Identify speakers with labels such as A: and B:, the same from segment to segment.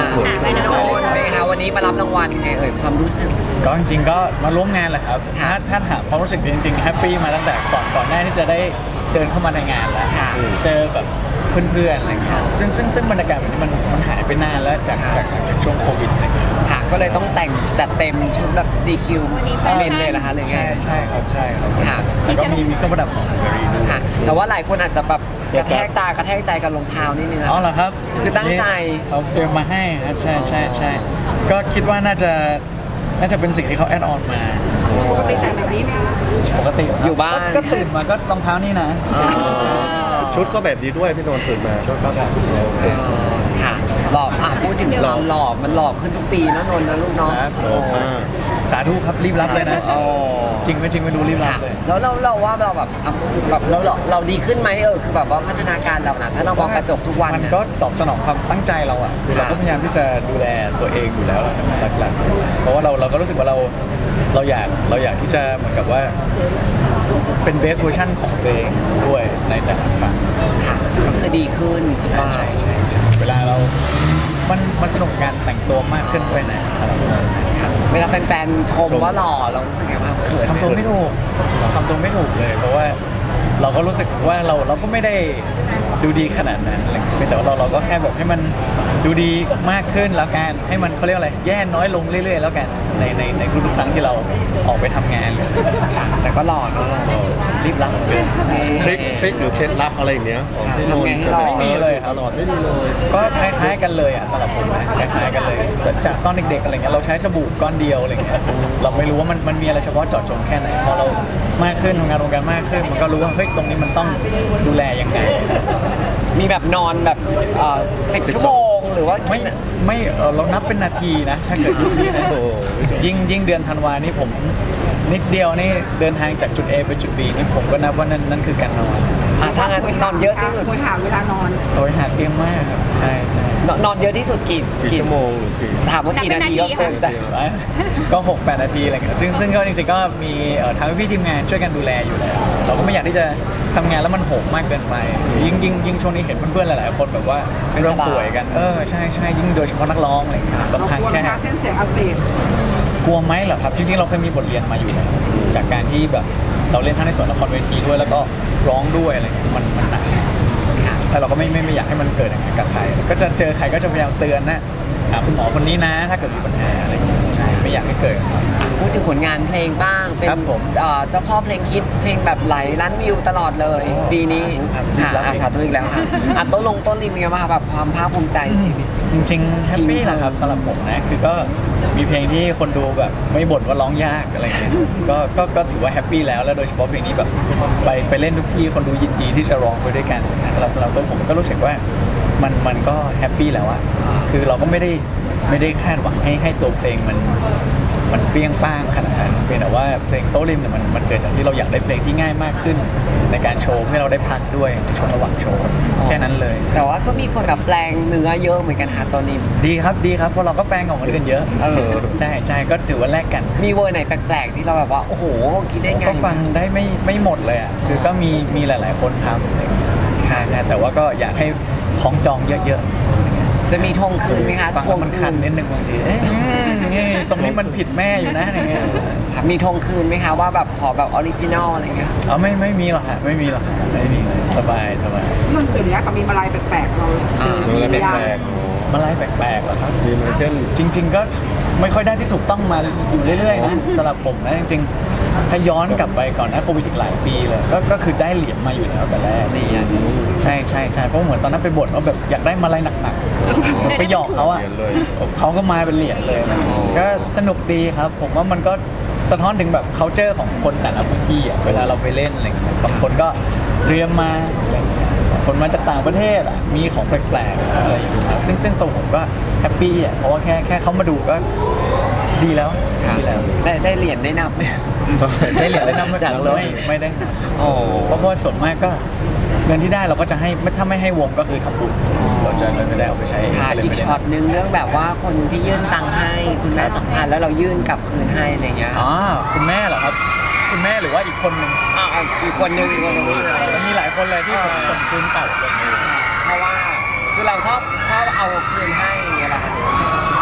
A: ไม่โดนไหมคะวันนี้มารับรางวัลยังไงความรู้สึก
B: ก็จริงๆก็มาร่วมงานแหละครับถ้าถามความรู้สึกจริงๆแฮปปี้มาตั้งแต่ก่อนหน้าที่จะได้เดินเข้ามาในงานแล้วเจอแบบเพื่อนๆอะไรเงี้ยซึ่งบรรยากาศแบบนี้มันหายไปนานแล้วจากช่วงโควิดอะไรเงี้ย
A: ค่ะก็เลยต้องแต่งจัดเต็มชุดแบบ GQ เมนเลยนะคะเลยไง
B: ใช่ครับค่ะแล้วก็มีเครื่องประดับของเบรีด้วย
A: ค่ะแต่ว่าหลายคนอาจจะแบบกระแทกตากระแทกใจกับรองเท้านิดนึง
B: อ๋อเหรอครับ
A: คือตั้งใจ
B: เขาเตรียมมาให้ใช่ก็คิดว่าน่าจะเป็นสิ่งที่เขาแอดออนมา
C: ปกติแต่งแบบนี้ไหม
B: ปกติ
A: อยู่บ้าน
B: ก็ตื่นมาก็รองเท้านี่นะ
D: ชุดก็แบบนี้ด้วยพี่นนท์ตื่นมา
B: ชุดก็แบบ
A: ค่ะหล่อพูดถึงความหล่อมันหล่อขึ้นทุกปีนะนนท์นะลูกน้อง
B: สาธุครับรีบรับเลยนะจริงไม่รู้รีบรับเลย
A: แล้วเราว่าเราแบบเราดีขึ้นไหมคือแบบว่าพัฒนาการเรานะถ้าเรามองกระจกทุกวัน
B: มันก็ตอบสนองความตั้งใจเราอ่ะคือเราก็พยายามที่จะดูแลตัวเองอยู่แล้วหลักๆเพราะว่าเราก็รู้สึกว่าเราอยากที่จะเหมือนกับว่าเป็นเบสเวอร์ชันของตัวเองด้วยในแต่ละครั้ง
A: ค่ะก็คือดีขึ้น
B: ใช่เวลามันสนุกการแต่งตัวมากขึ้นด้วยนะครับ
A: เวลาแฟนๆชมว่าหล่อเรารู้สึกไงบ้างเขิน
B: ทำตัวไม่ถูกเลยเพราะว่าเราก็รู้สึกว่าเราก็ไม่ได้ดูดีขนาดนั้นแต่ว่าเราก็แค่แบบให้มันดูดีมากขึ้นแล้วกันให้มันเขาเรียกอะไรแย่น้อยลงเรื่อยๆแล้วกันในทุกครั้งที่เราออกไปทำงานเลย
A: แต่ก็หล่อเนาะ
B: รีบรับ
D: ทริคหรือเคล็ดลับอะไรอย่างเงี้ยของพี่นนท์จะ
B: ไม่มีเลย
D: ตลอดไม่มีเลย
B: ก็คล้ายๆกันเลยอ่ะสำหรับผมนะคล้ายๆกันเลยจากตอนเด็กๆอะไรเงี้ยเราใช้สบู่ก้อนเดียวอะไรเงี้ยเราไม่รู้ว่ามันมีอะไรเฉพาะเจาะจงแค่ไหนพอเรามากขึ้นทำงานวงการมากขึ้นมันก็รู้ว่าเฮ้ยตรงนี้มันต้องดูแลยังไง
A: มีแบบนอนแบบ10 ชั่วโมงหรือว่า
B: ไม่เรานับเป็นนาทีนะถ้าเกิดยุคนี้นะยิ่งเดือนธันวานี่ผมนิดเดียวนี่เดินทางจากจุด A ไปจุด B นี่ผมก็นับว่านั่นคือการนอน
A: ถ้างั้นนอนเยอะที่สุด
C: คุยหาเวลานอน
B: โดยหาเตียงมากครับใช่
A: นอนเยอะที่สุดกี่
D: ชั่วโมง
A: ถามว่ากี่นาทีก็เกินใจ
B: ก็6-8 นาทีอะไรเงี้ยซึ่งก็จริงๆก็มีทางพี่ทีมงานช่วยกันดูแลอยู่แล้วเราก็ไม่อยากที่จะทำงานแล้วมันโหมมากเกินไปยิ่งช่วงนี้เห็นเพื่อนๆหลายๆคนแบบว่าเริ่มป่วยกันใช่ยิ่งโดยเฉพาะนักร้องอะไรเงี้ยบางครั้งแค่
C: เส้นเสียงอักเสบ
B: กลัวไหมเหรอครับจริงๆเราเคยมีบทเรียนมาอยู่จากการที่แบบเราเล่นทั้งในส่วนละครเวทีด้วยแล้วก็ร้องด้วยอะไรมันหนักแล้วเราก็ไม่อยากให้มันเกิดอย่างนั้นกับใครก็จะเจอใครก็จะพยายามเตือนนะหาคุณหมอคนนี้นะถ้าเกิดมีปัญหาอะไรใช่ไม่อยากให้เกิด
A: พูดถึงผลงานเพลงบ้างเป็นเจ้าพ่อเพลงฮิตเพลงแบบไหลล้านวิวตลอดเลยปีนี้สาธุอีกแล้วค่ะต้นริมเป็นไงบ้างแบบความภาคภูมิใจชีวิต
B: จริงๆแฮปปี้แหละครับสำหรับผมนะคือก็มีเพลงที่คนดูแบบไม่บ่นว่าร้องยากอะไรเงี้ยก็ถือว่าแฮปปี้แล้วโดยเฉพาะเพลงนี้แบบไปเล่นทุกที่คนดูยินดีที่จะร้องไปด้วยกันสำหรับตัวผมก็รู้สึกว่ามันก็แฮปปี้แล้วอะคือเราก็ไม่ได้คาดหวังให้ตัวเพลงมันเปรี้ยงป้างขนาดนั้นเป็นแต่ว่าเพลงโต้ริมเนี่ยมันเกิดจากที่เราอยากได้เพลงที่ง่ายมากขึ้นในการโชว์ให้เราได้พักด้วยในช่วงระหว่างโชว์แค่นั้นเลย
A: แต่ว่าก็มีคนแบบแปลงเนื้อเยอะเหมือนกันค่ะโต้ริม
B: ดีครับเพราะเราก็แปลงของคนอื่นเยอะใช่ก็ถือว่าแลกกัน
A: มีเวอร์ไหนแปลกๆที่เราแบบว่าโอ้โหคิดได้ไง
B: ก็ฟังได้ไม่หมดเลยอ่ะคือก็มีหลายๆคนทำใช่แต่ว่าก็อยากให้ของจองเยอะ
A: จะมีทงคืนไหมคะ
B: ทงมันคันนิดนึงบางทีนี่ตรงนี้มันผิดแม่อยู่นะอะไรเงี้ย
A: มีทงคืนไหมคะว่าแบบขอแบบออริจินอลอะไรเงี้ย
B: ไม่มีหรอกค่ะไม่มีสบาย
C: มันเป็นอย่างนี้กับมีมาลายแปลกๆเรา
D: มีแปลก
B: มาลายแปลกๆเหรอครับ
D: มีเช่น
B: จริงๆก็ไม่ค่อยได้ที่ถูกต้องมาอยู่เรื่อยๆนะสำหรับผมนะจริงๆถ้าย้อนกลับไปก่อนนะโควิดอีกหลายปีเลยก็คือได้เหรียญมาอยู่แล้วแต่แรกใช่เพราะเหมือนตอนนั้นไปบ่นว่าแบบอยากได้มาลายหนักๆไปหยอกเขาอ่ะเขาก็มาเป็นเหรียญเลยก็สนุกดีครับผมว่ามันก็สะท้อนถึงแบบ culture ของคนแต่ละพื้นที่อ่ะเวลาเราไปเล่นอะไรบางคนก็เตรียมมาคนมาจากต่างประเทศอ่ะมีของแปลกๆอะไรอย่างเงี้ยซึ่งตัวผมก็แฮปปี้อ่ะเพราะว่าแค่เขามาดูก็ดีแล้ว
A: ได้เหรียญได้นับไหม
B: ได้เหรียญได้นับมาจากเลยไม่ได้เพราะว่าส่วนมากก็เงินที่ได้เราก็จะให้ถ้าไม่ให้วงก็คือทำบุญเราจะไม่ได้เอาไปใช้
A: อีกช็อตนึงเรื่องแบบว่าคนที่ยื่นตังค์ให้คุณแม่2,000แล้วเรายื่นกลับคืนให้อะไรเงี้ย
B: คุณแม่เหรอครับคุณแม่หรือว่าอีกคนนึง
A: อีกคนนึง
B: มันมีหลายคนเลยที่ผมส่งคืนเก่าเลย
A: เพราะว่าคือเราชอบเอาคืนให้อย่างเงี้ยแหละค่ะ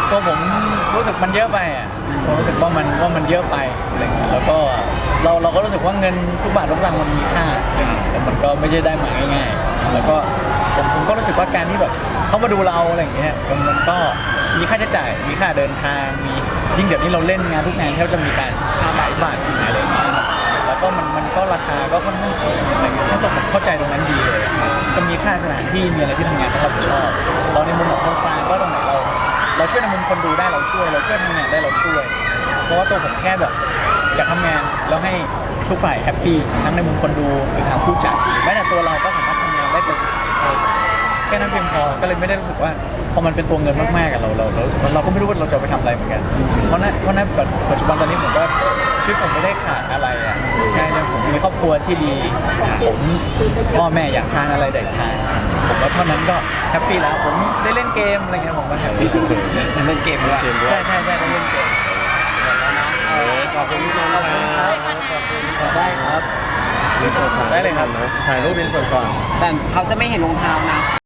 B: ตัวผมรู้สึกมันเยอะไปอ่ะผมรู้สึกว่ามันเยอะไปอะไรเงี้ยแล้วก็เราก็รู้สึกว่าเงินทุกบาททุกสตางค์มันมีค่าแต่มันก็ไม่ใช่ได้มาง่ายๆแล้วก็ผมก็รู้สึกว่าการที่แบบเขามาดูเราอะไรอย่างเงี้ยมันก็มีค่าใช้จ่ายมีค่าเดินทางมียิ่งเดี๋ยวนี้เราเล่นงานทุกงานแทบจะมีการค่าหลายบาทขายอะไรอย่างเงี้ยครับแล้วก็มันก็ราคาก็ค่อนข้างสูงอะไรเงี้ยซึ่งตัวผมเข้าใจตรงนั้นดีเลยก็มีค่าสถานที่มีอะไรที่ทำงานต้องรับผิดชอบเราในมุมของคนกลางก็ตรงไหนเราช่วยในมุมคนดูได้เราช่วยทำงานได้เราช่วยเพราะว่าตัวผมแค่แบบอยากทำงานแล้วให้ทุกฝ่ายแฮปปี้ทั้งในมุมคนดูหรือทางผู้จัดหรือแม้แต่ตัวเราก็สามารถทำงานได้เต็มที่แค่นั้นเพียงพอก็เลยไม่ได้รู้สึกว่าพอมันเป็นตัวเงินมากๆกับเรารู้สึกว่าเราก็ไม่รู้ว่าเราจะไปทำอะไรเหมือนกันเพราะนั้นปัจจุบันตอนนี้ผมก็ชีวิตผมไม่ได้ขาดอะไรอ่ะใช่นะผมมีครอบครัวที่ดีผมพ่อแม่อยากทานอะไรได้ทานผมว่าเท่านั้นก็แฮปปี้แล้วผมได้เล่นเกมอะไรเงี้ยผมก็แฮปปี้
A: เล่นเกมด้วย
B: ใช่ได้เล่นเกม
D: ขอบคุณพี่นันครับขอบคุณ
B: ได้ครับ
D: อินเสิร์ตก่อน
B: ได้เลยครับ
D: ถ่ายรูปอินเสิร์ตก่อน
A: แต่เขาจะไม่เห็นรองเท้านะ